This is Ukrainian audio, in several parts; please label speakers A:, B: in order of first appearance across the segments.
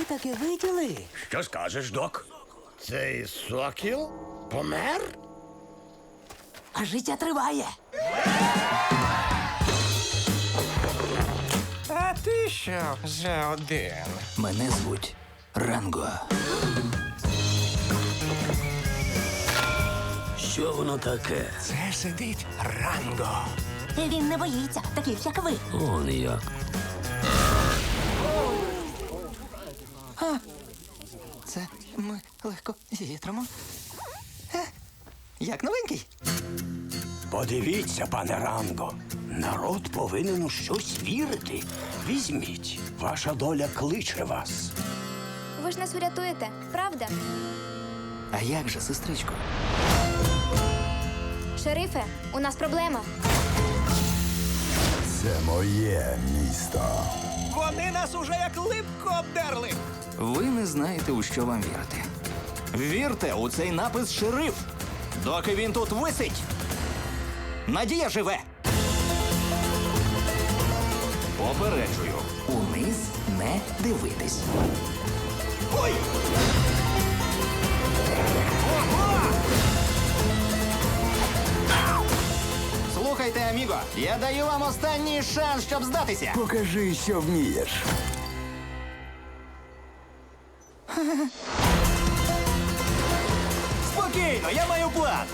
A: таке виділи?
B: Що скажеш, док?
C: Цей сокіл помер?
A: А життя триває.
D: А ти що за один?
A: Мене звуть Ранго.
B: Що воно таке?
D: Це сидить Ранго.
E: Він не боїться, таких як ви.
B: Он як.
A: Це ми легко зітримо. Як новенький.
B: Подивіться, пане Ранго. Народ повинен у щось вірити. Візьміть. Ваша доля кличе вас.
F: Ви ж нас урятуєте, правда?
A: А як же, сестричко?
F: Шерифе, у нас проблема.
C: Це моє місто.
D: Вони нас уже як липко обдерли.
A: Ви не знаєте, у що вам вірити. Вірте у цей напис «Шериф», доки він тут висить. Надія живе. Попереджую, униз не дивитись. Ой! Слухайте, аміго, я даю вам останній шанс, щоб здатися.
C: Покажи, що вмієш.
A: Спокійно, я маю план.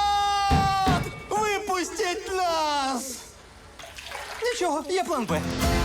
A: Народ! Випустіть нас! Нічого, є план Б.